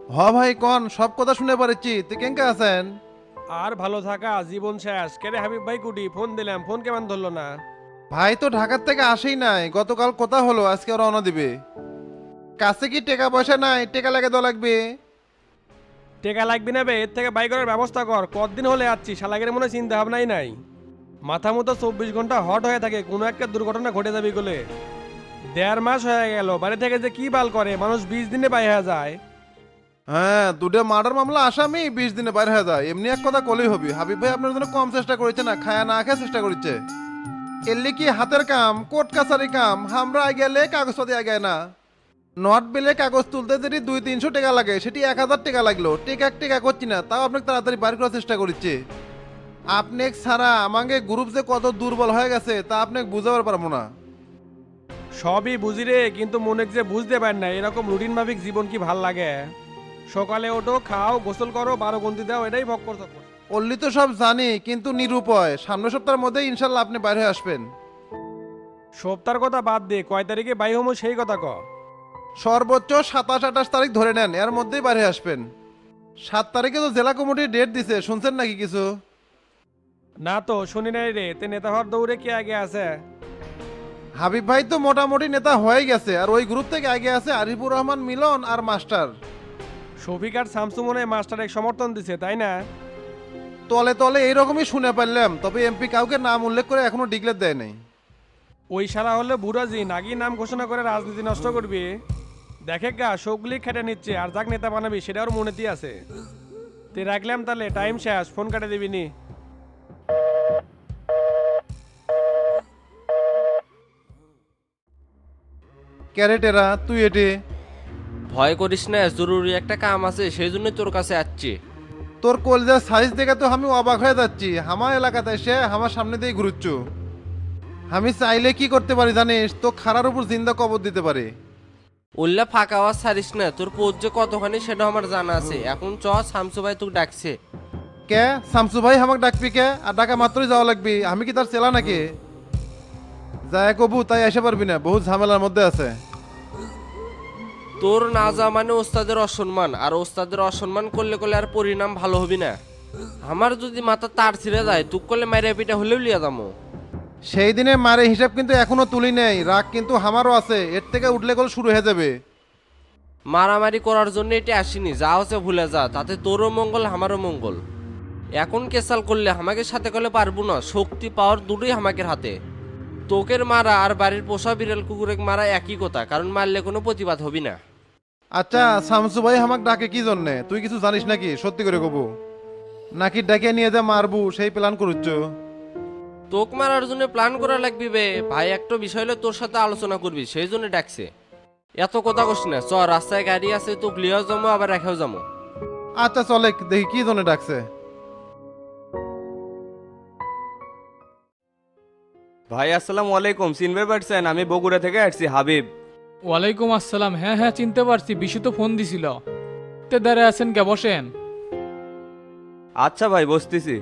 ভাই কন সব কথা শুনে পারছি তুই কেঙ্কা আছেন? আর ভালো থাকা জীবন শেষ কেরে হাবিব ভাই কুটি ফোন দিলাম ফোন কেমন ধরলো না। ভাই তো ঢাকার থেকে আসেই নাই, গতকাল কথা হলো আজকে রওনা দিবে। কাছে কি টাকা পয়সা নাই, টাকা লাগে তো লাগবে। টেকা লাগবি না বে, এর থেকে বাইক করার ব্যবস্থা কর। কতদিন হলে যাচ্ছি শালাগের মনে চিন্তা ভাবনাই নাই। মাথা মতো 24 ঘন্টা হট হয়ে থাকে, কোনো একটা দুর্ঘটনা ঘটে যাবে বলে। 1.5 মাস হয়ে গেল বাড়ি থেকে যে কি বাল করে মানুষ 20 দিনে বাই হয়ে যায়। হ্যাঁ, দুটো মার্ডার মামলা আসামি 20 দিনে বাইরে হয়ে যায়, এমনি এক কথা কলেই হবি। হাবিব ভাই আপনার জন্য কম চেষ্টা করেছে না, খায়া না খেয়ে চেষ্টা করছে। এলি কি হাতের কাম, কোর্ট কাছারি কাম, আমরা গেলে কাগজপাতি আগে না। নট বিলে কাগজ তুলতে যদি 200-300 টাকা লাগে, সেটি 1000 টাকা লাগলো, টেকা এক টাকা করছি না, তাও আপনাকে তাড়াতাড়ি বাইর করার চেষ্টা করছে। আপনি ছাড়া আমাকে গ্রুপ যে কত দুর্বল হয়ে গেছে তা আপনাকে বুঝাবার পারবো না। সবই বুঝি রে, কিন্তু মনে যে বুঝতে পার না এরকম রুটিন মাফিক জীবন কি ভাল লাগে। সকালে ওঠো, খাও, গোসল করো, 12 গন্তি দাও, এটাই ভক্কর চক্কর। অল্লি তো সব জানি, কিন্তু নিরুপায়। সামনের সপ্তাহের মধ্যে ইনশাল্লাহ আপনি বাইরে হয়ে আসবেন। সপ্তাহের কথা বাদ দে, কয় তারিখে বাই হমো সেই কথা ক। সর্বোচ্চ 27-28 তারিখ ধরে নেন, এর মধ্যেই বাইরে আসবেন। 7 তারিখে তো জেলা কমিটির ডেট দিছে, শুনছেন নাকি কিছু? না তো শুনি নাই রে, তে নেতা হওয়ার দৌড়ে কে আগে আছে? হাবিব ভাই তো মোটামুটি নেতা হয়ে গেছে, আর ওই গ্রুপ থেকে আগে আছে আরিফুর রহমান মিলন আর মাস্টার। শফিক আর শামসু মনে মাস্টার এক সমর্থন দিছে তাই না? তলে তলে এইরকমই শুনে পারলাম, তবে এমপি কাউকে নাম উল্লেখ করে এখনো ডিক্লেয়ার দেয় নাই। ওই শালা হলে বুড়াজি নাকি নাম ঘোষণা করে রাজনীতি নষ্ট করবি। দেখে গা সবগুলি খেটে নিচ্ছে, আর যাক নেতা বানাবি সেটা ওর মনেতেই আছে। তে রাখলাম তাহলে, টাইম শেষ, ফোন কাটে দিবি নি। ক্যারেটেরা তুই এটি। ভয় করিস না, জরুরি একটা কাম আছে সেই জন্য তোর কাছে আসছি। তোর কলজার সাইজ দেখে তো আমি অবাক হয়ে যাচ্ছি, আমার এলাকাতে এসে আমার সামনে দিয়ে ঘুরুচ্ছ। আমি চাইলে কি করতে পারি জানিস? তো খাড়ার উপর জিন্দা কবর দিতে পারি। উল্লা ফাঁকা আওয়াজ ছাড়িস না, তোর পোজ যে কতখানি সেটা আমার জানা আছে। এখন চ, শামসু ভাই তোকে ডাকছে। কে শামসু ভাই আমাকে ডাকবি কে? আর ডাকা মাত্রই যাওয়া লাগবি? আমি কি তার চেলা নাকি? যায় কবু তাই এসে পারবি না, বহুত ঝামেলার মধ্যে আছে। তোর না যা মানে ওস্তাদের অসম্মান, আর ওস্তাদের অসম্মান করলে করলে আর পরিণাম ভালো হবি না। আমার যদি মাথা তার ছিঁড়ে যায় তুক করলে মাইরে পিটা হলেও লিয়া যাবো। সেই দিনে মারে হিসাব কিন্তু এখনো তুলি নেই, রাগ কিন্তু আমারও আছে, এর থেকে উঠলে গোল শুরু হয়ে যাবে। মারামারি করার জন্য এটা আসিনি, যা হচ্ছে ভুলে যা, তাতে তোরও মঙ্গল আমারও মঙ্গল। এখন কেসাল করলে আমাকে সাথে করলে পারবো না, শক্তি পাওয়ার দুটোই আমাকে হাতে। তোকের মারা আর বাড়ির পোষা বিড়াল কুকুরে মারা একই কথা, কারণ মারলে কোনো প্রতিবাদ হবি না। আচ্ছা শামসু ভাই আমাকে ডাকে কি জন্যে, তুই কিছু জানিস নাকি? সত্যি করে কবু, নাকি ডাকে নিয়ে যা মারবু সেই প্ল্যান করুচ্ছ? তোক মারার জন্য প্ল্যান করা লাগবি বে ভাই, একটা বিষয় হলে তোর সাথে আলোচনা করবি সেই জন্য ডাকছে। এত কথা কস না, চ, রাস্তায় গাড়ি আছে, তোক লিয়াও যাবো আবার রেখেও যাবো। আচ্ছা চলে দেখি কি জন্য ডাকছে। ভাই আসসালামু আলাইকুম, চিনবে পারছেন? আমি বগুড়া থেকে আসছি, হাবিব। ওয়ালাইকুম আসসালাম। হ্যাঁ হ্যাঁ চিনতে পারছি, বিশু তো ফোন দিছিল। তে দাঁড়ায় আছেন কে, বসেন। আচ্ছা ভাই বসতেছি।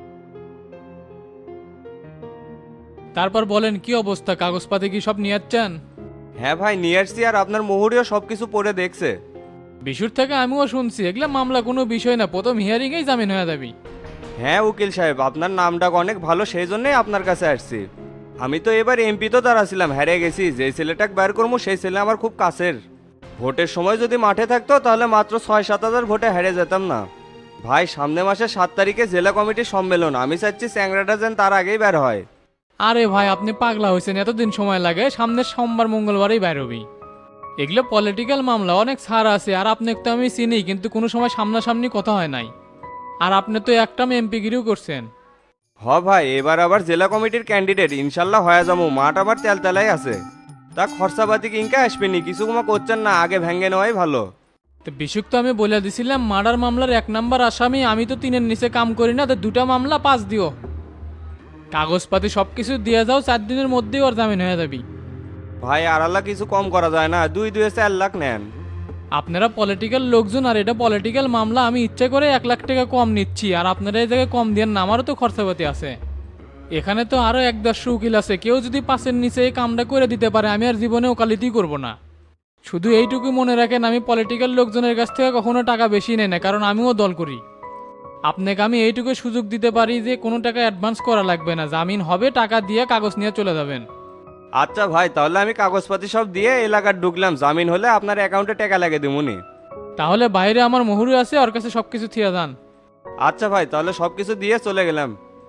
তারপর বলেন কি অবস্থা, কাগজপাতি কি সব নিয়ে যাচ্ছেন? হ্যাঁ ভাই নিয়ে আসছি, আর আপনার মোহরিও সবকিছু পড়ে দেখছে। বিশুর থেকে আমিও শুনছি এগুলা মামলা কোনো বিষয় না, প্রথম হিয়ারিংয়েই জামিন হয়ে যাবি। হ্যাঁ উকিল সাহেব, আপনার নামটা অনেক ভালো, সেই জন্যই আপনার কাছে আসছি। আমি তো এবার এমপি তো দাঁড়াছিলাম, হেরে গেছি। যে ছেলেটাকে বের করবো সেই ছেলে আমার খুব কাছের। ভোটের সময় যদি মাঠে থাকতো তাহলে মাত্র 6-7 হাজার ভোটে হেরে যেতাম না। ভাই সামনে মাসে 7 তারিখে জেলা কমিটির সম্মেলন, আমি চাচ্ছি চ্যাংরাটা যেন তার আগেই বের হয়। আরে ভাই আপনি পাগলা হয়েছেন, এতদিন সময় লাগে? সামনের সোমবার মঙ্গলবারই বাইর হবি। এগুলো পলিটিক্যাল মামলা, অনেক ছাড় আছে। আর আপনাকে তো আমি চিনি, কিন্তু কোনো সময় সামনাসামনি কথা হয় নাই। আর আপনি তো একটা এমপিগিরিও করছেন। ভাই এবার আবার জেলা কমিটির ক্যান্ডিডেট, ইনশাল্লাহ হয়ে যাবো। মাঠ আবার তেলতেলাই আছে, তা খরচাপাতি কিনকা আসবেনি, কিছু কমা করছেন না, আগে ভেঙে নেওয়াই ভালো। তো বিশুক তো আমি বলে দিছিলাম মার্ডার মামলার 1 নম্বর আসামি, আমি তো 3-এর নিচে কাম করি না, তো 2টা মামলা 5 দিও। কাগজপাতি সব কিছু দিয়ে যাও, 4 দিনের মধ্যেই ওর জামিন হয়ে যাবি। ভাই আড়াল্লা কিছু কম করা যায় না? 2-4 লাখ নেন। আপনারা পলিটিক্যাল লোকজন, আর এটা পলিটিক্যাল মামলা, আমি ইচ্ছে করে 1 লাখ টাকা কম নিচ্ছি, আর আপনারা এই জায়গায় কম দিয়ে না, আমারও তো খরচাপাতি আছে। এখানে তো আরো 1-1.5 উকিল আছে, কেউ যদি 5-এর নিচে এই কামটা করে দিতে পারে আমি আর জীবনে ওকালতি করব না। শুধু এইটুকু মনে রাখেন, আমি পলিটিক্যাল লোকজনের কাছ থেকে কখনো টাকা বেশি নেই না, কারণ আমিও দল করি। আপনাকে আমি এইটুকু সুযোগ দিতে পারি যে কোনো টাকা অ্যাডভান্স করা লাগবে না, জামিন হবে, টাকা দিয়ে কাগজ নিয়ে চলে যাবেন। আচ্ছা ভাই, তাহলে আমি কাগজপাতি সব দিয়ে এলাকার ঢুকলাম, জামিন হলে আপনার অ্যাকাউন্টে টাকা লাগে দিমুনি। তাহলে বাইরে আমার মহুরি আছে, ওর কাছে সব কিছু থিয়া যান। আচ্ছা ভাই, তাহলে সব কিছু দিয়ে চলে গেলাম।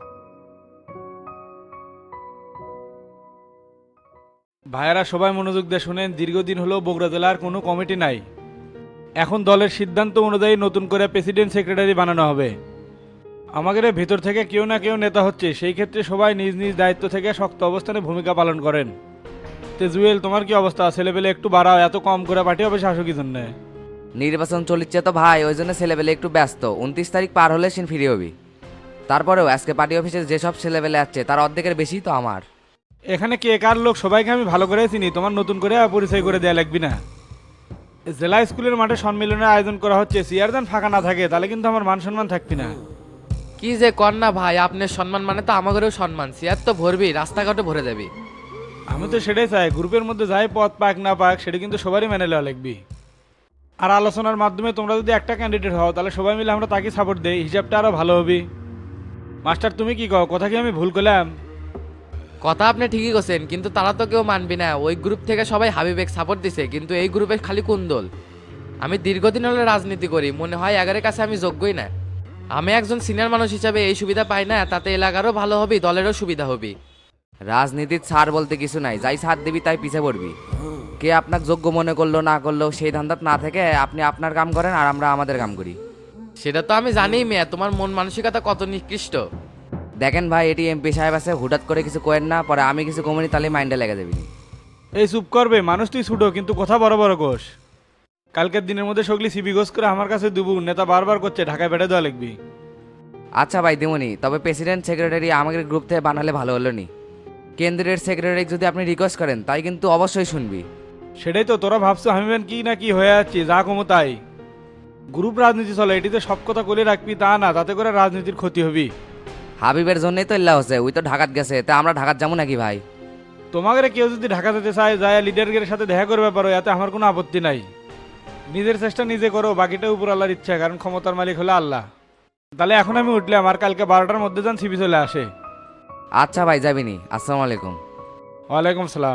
ভাইয়েরা সবাই মনোযোগ দিয়ে শুনেন, দীর্ঘদিন হলো বগুড়া জেলার কোনো কমিটি নাই। এখন দলের সিদ্ধান্ত অনুযায়ী নতুন করে প্রেসিডেন্ট সেক্রেটারি বানানো হবে। আমাদের ভিতর থেকে কেউ না কেউ নেতা হচ্ছে, সেই ক্ষেত্রে সবাই নিজ নিজ দায়িত্ব থেকে শক্ত অবস্থানে ভূমিকা পালন করেন। তে জুয়েল, তোমার কি অবস্থা? ছেলেপেলে একটু বাড়াও, এত কম করে পাঠিয়ে হবে শাসকি জন্য। নির্বাচন চলিচ্ছে তো ভাই, ওই জন্য ছেলেবেলে একটু ব্যস্ত। 29 তারিখ পার হলে সিন ফিরে হবি। তারপরেও আজকে পার্টি অফিসে যেসব ছেলেবেলে আসছে তার অর্ধেকের বেশি তো আমার। এখানে কে কার লোক সবাইকে আমি ভালো করে চিনি, তোমার নতুন করে পরিচয় করে দেয়া লাগবে না। জেলা স্কুলের মাঠে সম্মেলনের আয়োজন করা হচ্ছে, চেয়ারদান ফাঁকা না থাকে তাহলে কিন্তু আমার মান সম্মান থাকবি না। কি যে কর না ভাই, আপনার সম্মান মানে তো আমাদেরও সম্মান। চেয়ার তো ভরবি, রাস্তাঘাটে ভরে যাবি। আমি তো সেটাই চাই, গ্রুপের মধ্যে যাই পদ পাক না পাক সেটা কিন্তু সবারই মেনে নেওয়া লাগবে। আর আলোচনার মাধ্যমে তোমরা যদি একটা ক্যান্ডিডেট হও তাহলে সবাই মিলে আমরা তাকে সাপোর্ট দেই, হিসাবটা আরও ভালো হবে। মাস্টার তুমি কি কও, কথা কি আমি ভুল করলাম? কথা আপনি ঠিকই করছেন, কিন্তু তারা তো কেউ মানবি না। ওই গ্রুপ থেকে সবাই হাবিবেক সাপোর্ট দিছে, কিন্তু এই গ্রুপে খালি কুন্দল। আমি দীর্ঘদিন হলে রাজনীতি করি, মনে হয় এগারের কাছে আমি যোগ্যই না। আমি একজন সিনিয়র মানুষ হিসাবে এই সুবিধা পাই না, তাতে এলাকারও ভালো হবে, দলেরও সুবিধা হবে। রাজনীতির ছাড় বলতে কিছু নাই, যাই ছাড় দিবি তাই পিছে পড়বি। কে আপনাকে যোগ্য মনে করলো না করলো সেই ধান্দাত না থেকে আপনি আপনার কাম করেন আর আমরা আমাদের কাম করি। সেটা তো আমি জানি মেয়ে, তোমার মন মানসিকতা কত নিকৃষ্ট। দেখেন ভাই, এটি এমপি সাহেব আছে, হুঠাৎ করে কিছু করেন না, পরে আমি কিছু কমনি তাহলে মাইন্ডে লেগে যাবি। এই চুপ করবে, মানুষ তুই ছুটো কিন্তু কথা বড় বড় কোষ। কালকের দিনের মধ্যে সগলি সিবি গোস করে আমার কাছে দুবু, নেতা বারবার করছে ঢাকায় বেড়ে দেওয়া লিখবি। আচ্ছা ভাই দিমনি, তবে প্রেসিডেন্ট সেক্রেটারি আমাদের গ্রুপ থেকে বানালে ভালো হলো নি। কেন্দ্রের সেক্রেটারি যদি আপনি রিকোয়েস্ট করেন তাই কিন্তু অবশ্যই শুনবি। সেটাই তো, তোরা ভাবছো আমি বেন কি না কি হয়ে যাচ্ছি, যা কমো তাই। গ্রুপ রাজনীতি চলে, এটিতে সব কথা বলে রাখবি তা না, তাতে করে রাজনীতির ক্ষতি হবি। হাবিবের জন্যই তো ইল্লা হচ্ছে, ওই তো ঢাকাত গেছে, তা আমরা ঢাকাত যাবো নাকি ভাই? তোমাদের কেউ যদি ঢাকা যেতে চায় যায় লিডারের সাথে দেখা করবে পারো, এতে আমার কোনো আপত্তি নাই। নিজের চেষ্টা নিজে করো, বাকিটা উপর আল্লাহর ইচ্ছা, কারণ ক্ষমতার মালিক হলো আল্লাহ। তাহলে এখন আমি উঠলাম, আর কালকে 12টার মধ্যে যান সিবি চলে আসে। আচ্ছা ভাই যাবিনি, আসসালামু আলাইকুম। ওয়ালাইকুম সালাম।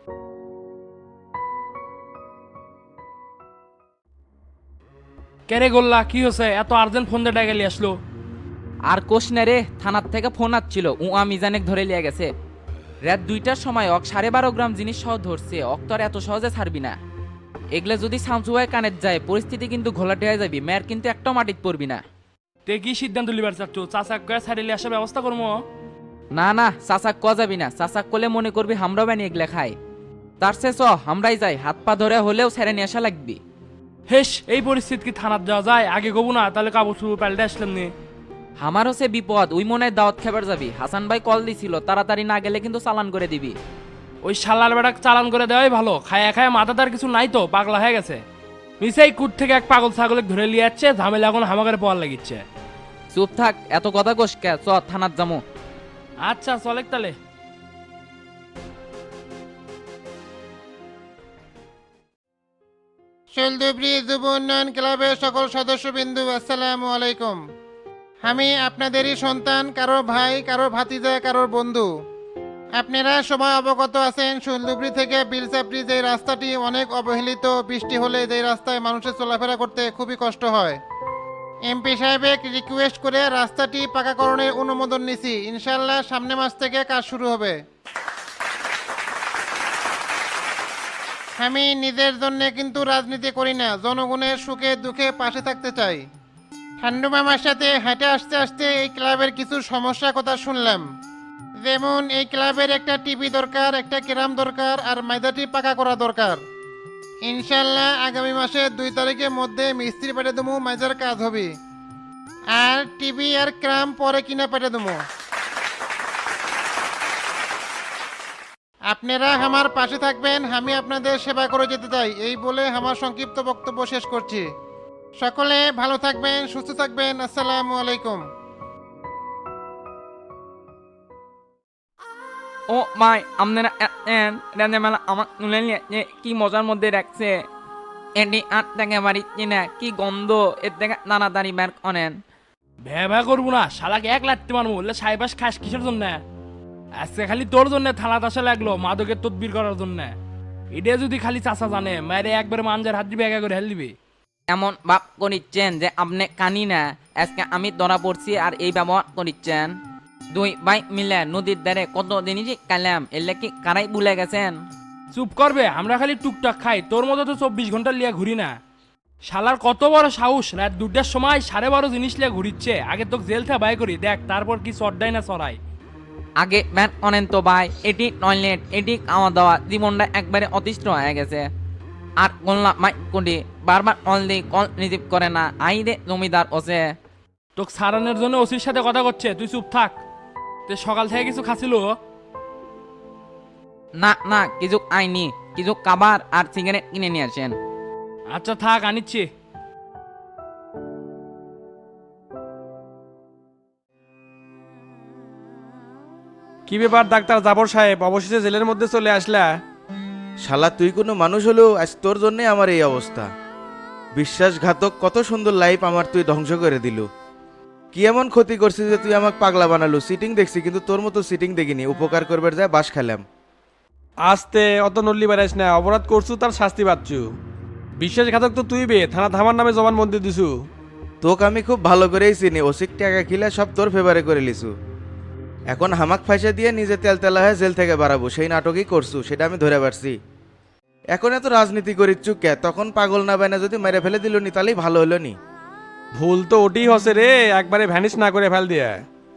কেরে গোল্লা কি হচ্ছে, এত আর্জেন্ট ফোন দিয়ে ডাকালি আসলো? আর কোষ না রে, থানার থেকে ফোন আসছিল, মিজানেক ধরে লিয়ে গেছে। রাত 2টার সময় 12.5 গ্রাম জিনিস সহ ধরছে, অক্তর এত সহজে ছাড়বি না। এগুলা যদি সামসুয়ায় কানেট যায় পরিস্থিতি কিন্তু ঘোলাটে হয়ে যাবি, মেয়ের কিন্তু একটাও মাটিত পড়বি না। তে কি সিদ্ধান্ত লিবার চাচ্ছ? চাচা কয়ে ছাড়িলে আসার ব্যবস্থা করবো? না না, চাচাক ক যাবি না, চাচাক করলে মনে করবি হামরাও বানি এগুলা খাই। তার সে চ আমরাই যাই, হাত পা ধরে হলেও ছেড়ে নিয়ে আসা লাগবি। হেস, এই পরিস্থিতি কি থানাত যাওয়া যায়? আগে কবু না, তাহলে কাপড় চুপড় পাল্টে আসলাম নি। আমার হচ্ছে বিপদ, ওই মনে হয় দাওয়াত খাবার যাবি। হাসান ভাই কল দিছিল, তাড়াতাড়ি না গেলে কিন্তু চালান করে দিবি। ওই শালার বেড়াক চালান করে দেওয়াই ভালো, খায়া খায়া মাথা তার কিছু নাই তো, পাগলা হয়ে গেছে। মিসাই কুট থেকে এক পাগল ছাগলে ধরে লিয়ে যাচ্ছে, ঝামেলা এখন হামাকারে পাওয়ার লাগিচ্ছে। চুপ থাক, এত কথা কোষ কে, চ থানাত যামু। আচ্ছা চলেক তাহলে। শৈলদুবরি যুব উন্নয়ন ক্লাবের সকল সদস্যবৃন্দু আসসালামু আলাইকুম। আমি আপনাদেরই সন্তান, কারো ভাই, কারো ভাতিজা, কারোর বন্ধু। আপনারা সবাই অবগত আছেন শৈলদুবরি থেকে বিলচাপড়ি যে রাস্তাটি অনেক অবহেলিত, বৃষ্টি হলে যে রাস্তায় মানুষের চলাফেরা করতে খুবই কষ্ট হয়। এমপি সাহেবের রিকোয়েস্ট করে রাস্তাটি পাকাকরণের অনুমোদন নিছি, ইনশাল্লাহ সামনে মাস থেকে কাজ শুরু হবে। আমি নিজের জন্য কিন্তু রাজনীতি করি না, জনগণের সুখে দুঃখে পাশে থাকতে চাই। ঠান্ডু মামার সাথে হেঁটে আসতে আসতে এই ক্লাবের কিছু সমস্যার কথা শুনলাম, যেমন এই ক্লাবের একটা টিভি দরকার, একটা ক্যারাম দরকার, আর ময়দাটি পাকা করা দরকার। ইনশাল্লাহ আগামী মাসের 2 তারিখের মধ্যে মিস্ত্রি পেটে দেবো, মাইজার কাজ হবে। আর টিভি আর ক্যারাম পরে কিনা পেটে দেবো। আপনারা আমার পাশে থাকবেন, আমি আপনাদের সেবা করে যেতে চাই। এই বলে আমার সংক্ষিপ্ত বক্তব্য শেষ করছি। সকলে ভালো থাকবেন, সুস্থ থাকবেন। আসসালামু আলাইকুম। ও ভাই আপনারা রাজা মেলা আমার তুলে নিয়ে কি মজার মধ্যে রাখছে এটি আট থেকে বাড়ি কিনা কি গন্ধ এর থেকে তাড়াতাড়ি বের করেন। ভ্যা করবো না, শালাকে এক লাটতে মারবো, বললে সাইবাস খাস কিসের জন্য? আজকে খালি তোর জন্য থানাত আসা লাগলো মাদকের তদবির করার জন্য। এটা যদি খালি চাচা জানে মায়ের একবারে মাঞ্জার হাত দিবে, একা করে হেল দিবে। এমন ভাব করিচ্ছেন যে আপনি কানি না, আজকে আমি ধরা পড়ছি আর এই ব্যবহার করিচ্ছেন। দুই ভাই মিলে নদীর ধারে কত জিনিস কালাম, এলে কি কারাই ভুলে গেছেন? চুপ করবে, আমরা খালি টুকটাক খাই, তোর মতো তো 24 ঘন্টা লিয়া ঘুরি না। শালার কত বড় সাহস, রাত 2টার সময় 12:30 জিনিস লিয়া ঘুরিচ্ছে। আগে তোকে জেল থেকে বাই করি দেখ, তারপর কি চড়াই না চড়াই। আগে ব্যান অনেন তো ভাই, এটি টয়লেট, এটি খাওয়া দাওয়া, জীবনটা একবারে অতিষ্ঠ হয়ে গেছে। আর কল্লা মাই কোটি বারবার কল দিই, কল রিসিভ করে না, আই রে জমিদার ওসে। তোকে সারানোর জন্য ওসির সাথে কথা করছে, তুই চুপ থাক। তুই সকাল থেকে কিছু খাচ্ছিল? না না কিছু আইনি, কিছু খাবার আর সিগারেট কিনে নিয়ে আসেন। আচ্ছা থাক, আনিচ্ছি। কি ব্যাপার ডাক্তার জাবর সাহেব, অবশেষে জেলের মধ্যে চলে আসলা? শালা তুই কোনো মানুষ হলেও আজ তোর জন্যে আমার এই অবস্থা। বিশ্বাসঘাতক, কত সুন্দর লাইফ আমার তুই ধ্বংস করে দিল। কি এমন ক্ষতি করছিস যে তুই আমাকে পাগলা বানালো? সিটিং দেখছি কিন্তু তোর মতো সিটিং দেখিনি, উপকার করবার যায় বাস খেলাম। আস্তে, অত নল্লি বেড়াইস না, অপরাধ করছু তার শাস্তি পাচ্ছু। বিশ্বাসঘাতক তো তুই বে, থানা থামার নামে জবানবন্দি দিছু। তোকে আমি খুব ভালো করেই চিনি, ওসিক টাকা খিলা সব তোর ফেভারে করে লিছু। এখন হামাক ফাঁসে দিয়ে নিজে তেলতেলা হয়ে জেল থেকে বাড়াবো, সেই নাটকই করছু, সেটা আমি ধরে পারছি। এখন এত রাজনীতি করিচ্ছু কে? তখন পাগল না বাইনা যদি মেরে ফেলে দিল নি তাহলেই ভালো হলো নি। ভুল তো ওটি হসে রে, একবারে ভ্যানিশ না করে ফেল দিয়ে।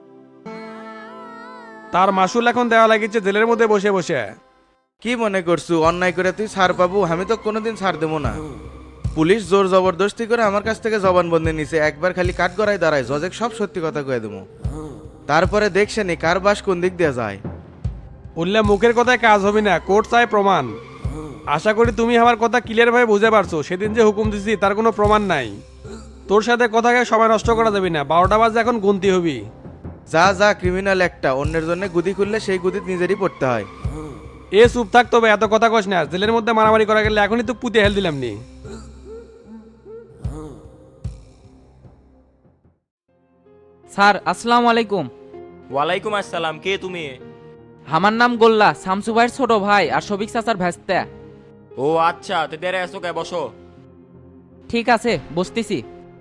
তার মাসুল এখন দেওয়া লাগিছে জেলের মধ্যে বসে বসে। কি মনে করছু অন্যায় করে তুই ছাড় পাবো? আমি তো কোনোদিন ছাড় দেবো না। পুলিশ জোর জবরদস্তি করে আমার কাছ থেকে জবানবন্দি নিছে, একবার খালি কাঠ গড়াই দাঁড়ায়, জজেক সব সত্যি কথা কয়ে দেবো। তারপরে দেখছে নি কার বাস কোন দিক দিয়ে যায়। উল্লে মুখের কথায় কাজ হবে না, কোর্ট চাই প্রমাণ। আশা করি তুমি আমার কথা ক্লিয়ার ভাবে বুঝে পারছো। সেদিন যে হুকুম দিছি তার কোনো প্রমাণ নাই। তোর সাথে কথাকে সময় নষ্ট করা যাবে না, 12টা বাজে এখন গুনতি হবি। যা যা ক্রিমিনাল একটা, অন্যের জন্য গুদি খুললে সেই গুদি নিজেরই পড়তে হয়। এ চুপ থাক তবে, এত কথা কস না। জেলের মধ্যে মারামারি করা গেলে এখনই তো পুঁতে হেল দিলাম নি। স্যার আসসালামু আলাইকুম। ওয়ালাইকুম আসসালাম, কে তুমি? আমার নাম গোল্লা, শামসু ভাইয়ের ছোট ভাই আর শফিক চাচার ভ্যাস্তা। ও আচ্ছা, তো দেরে আসো কে, বসো। ঠিক আছে বসতেছি।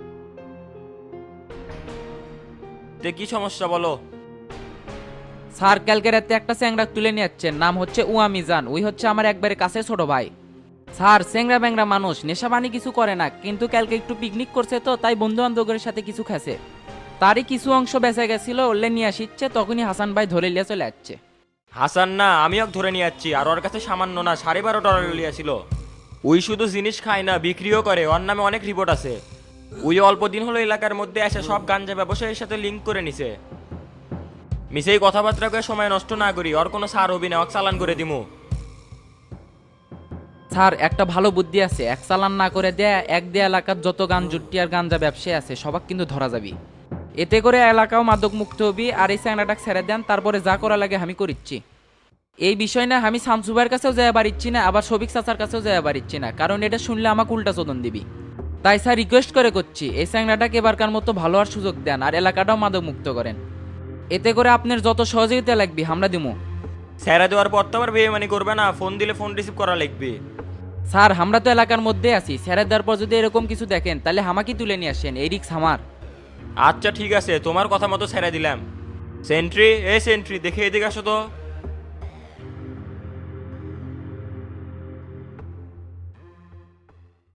তে কি সমস্যা বলো? স্যার কালকে রাতে একটা চ্যাংরা তুলে নিয়ে যাচ্ছেন, নাম হচ্ছে উয়া মিজান, ওই হচ্ছে আমার একবারে কাছে ছোট ভাই। স্যার চ্যাংরা ব্যাংরা মানুষ, নেশাবানি কিছু করে না, কিন্তু কালকে একটু পিকনিক করছে তো তাই বন্ধু বান্ধবের সাথে কিছু খাচ্ছে। তারই কিছু অংশ বেঁচে গেছিল, ওলে নিয়ে আসিচ্ছে, তখনই হাসান ভাই ধরে নিয়ে চলে যাচ্ছে। হাসান না, আমি ওকে ধরে নিয়ে যাচ্ছি। আর ওর কাছে সামান্য না 12.5 ডলার লিয়াছিল। ওই শুধু জিনিস খায় না, বিক্রিও করে। ওর নামে অনেক রিপোর্ট আছে। ওই অল্প দিন হলো এলাকার মধ্যে এসে সব গাঞ্জা ব্যবসায়ীর সাথে লিঙ্ক করে নিছে। মিসেই কথাবার্তা করে সময় নষ্ট না করি, ওর কোনো সার হবি না, ওকে চালান করে দিমু। স্যার একটা ভালো বুদ্ধি আছে, এক চালান না করে দেয়া এক দেয়া এলাকার যত গাঞ্জুটি আর গাঞ্জা ব্যবসায়ী আছে সবাক কিন্তু ধরা যাবি। এতে করে এলাকাও মাদক মুক্ত হবি। আর এই চ্যাংরাটাকে ছেড়ে দেন, তারপরে যা করা লাগে আমি করিচ্ছি। এই বিষয় না আমি শামসু ভাইয়ের কাছেও যাওয়া পারিচ্ছি না, আবার শফিক চাচার কাছেও যাওয়া পারিচ্ছি না, কারণ এটা শুনলে আমাকে উল্টা চোদন দিবি। তাই স্যার রিকোয়েস্ট করে করছি, এই চ্যাংরাটাকে এবারকার মতো ভালো আর সুযোগ দেন, আর এলাকাটাও মাদক মুক্ত করেন। এতে করে আপনার যত সহযোগিতা লাগবে আমরা দিমু। স্যারা দেওয়ার পর তো আবার বেইমানি করবে না, ফোন দিলে ফোন রিসিভ করা লাগবে। স্যার আমরা তো এলাকার মধ্যে আছি, স্যারের দেওয়ার পর যদি এরকম কিছু দেখেন তাহলে আমাকে তুলে নিয়ে আসেন, এই রিক্স আমার। আচ্ছা ঠিক আছে, তোমার কথা মতো ছেড়ে দিলাম। সেন্ট্রি, এ সেন্ট্রি, দেখে এদিকে আসো তো।